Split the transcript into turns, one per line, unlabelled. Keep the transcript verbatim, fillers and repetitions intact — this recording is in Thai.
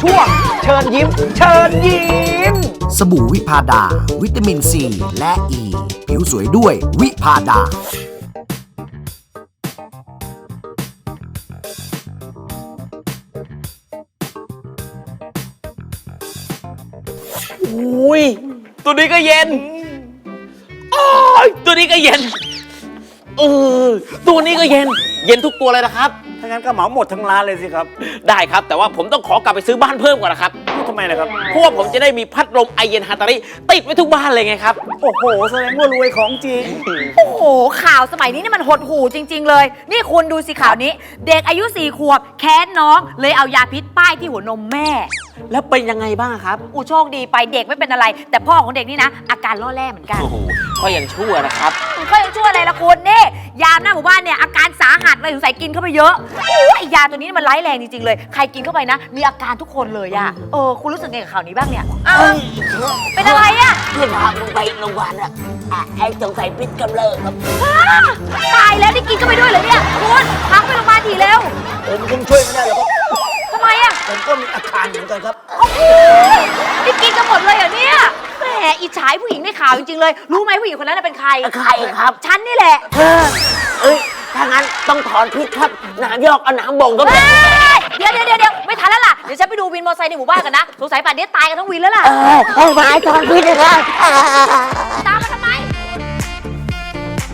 ช่วงเชิญยิ้มเชิญยิ้ม
สบู่วิพาดาวิตามินซีและอ e. ีผิวสวยด้วยวิพาดา
อุ้ยตัวนี้ก็เย็นโอ้ยตัวนี้ก็เย็นเออตัวนี้ก็เย็นเย็นทุกตัวเลยนะครับ
ถ้างั้นก็เหมาหมดทั้งร้านเลยสิครับ
ได้ครับแต่ว่าผมต้องขอกลับไปซื้อบ้านเพิ่มก่อนนะครับ
ทำไมนะครับ
เพราะว่าผมจะได้มีพัดลมไอเย็นฮาตาริติดไว้ทุกบ้านเลยไงครับ
โอ้โหแสดงว่ารวยของจริง
โอ้โหข่าวสมัยนี้นี่มันหดหู่จริงๆเลยนี่คุณดูสิข่าวนี้เด็กอายุสี่ขวบแค้นน้องเลยเอายาพิษป้ายที่หัวนมแม่
แล้วเป็นยังไงบ้างครับ
อูโชคดีไปเด็กไม่เป็นอะไร แต่พ่อของเด็กนี่นะอาการล่อแร่เหมือนกัน
โอ้โหก็ยังชั่วนะครับ
ก็ยังชั่วอะไรล่ะคุณนี่ยามหน้าหมู่บ้านเนี่ยอาการสาหัสเลยสงสัยกินเข้าไปเยอะโอ้ยยาตัวนี้มันร้ายแรงจริงๆเลยใครกินเข้าไปนะมีอาการทุกคนเลยอะเออคุณรู้สึกไงกับข่าวนี้บ้างเนี่ยเป็นอะไรอะ
เพื่อนพาลงไปโรงพยาบาลอะไอ้สงสัยพิษกำเริบครับ
ตายแล้วนี่กินเข้าไปด้วยเหรอเนี่ยคุณพักไปโรงพยาบาลทีเร็ว
ผมคงช่วยไม่ได้หรอกครับ
ทำไมอะ
ผมก็มีอาการเหมือนกันครับ
นี่กินกันหมดเลยเหรอเนี่ยแหมอิจฉาผู้หญิงในข่าวจริงๆเลยรู้ไหมผู้หญิงคนนั้นเป็นใคร
ใครครับ
ฉันนี่แหละ
เอ้ยถ้างั้นต้องถอนพิษครับน้ำยอกเอาน้ำบ่งก็ได้
เดี๋ยวเดี๋ยวเดี๋ยวไม่ทันแล้วล่ะเดี๋ยวฉันไปดูวินมอเตอร์ไซค์ในหมู่บ้านกันนะสงสัยป่านนี้ตายกันทั้งวินแล้วล่ะ
เออไอ้ไม้ถอนพิษเลยครับ
ตา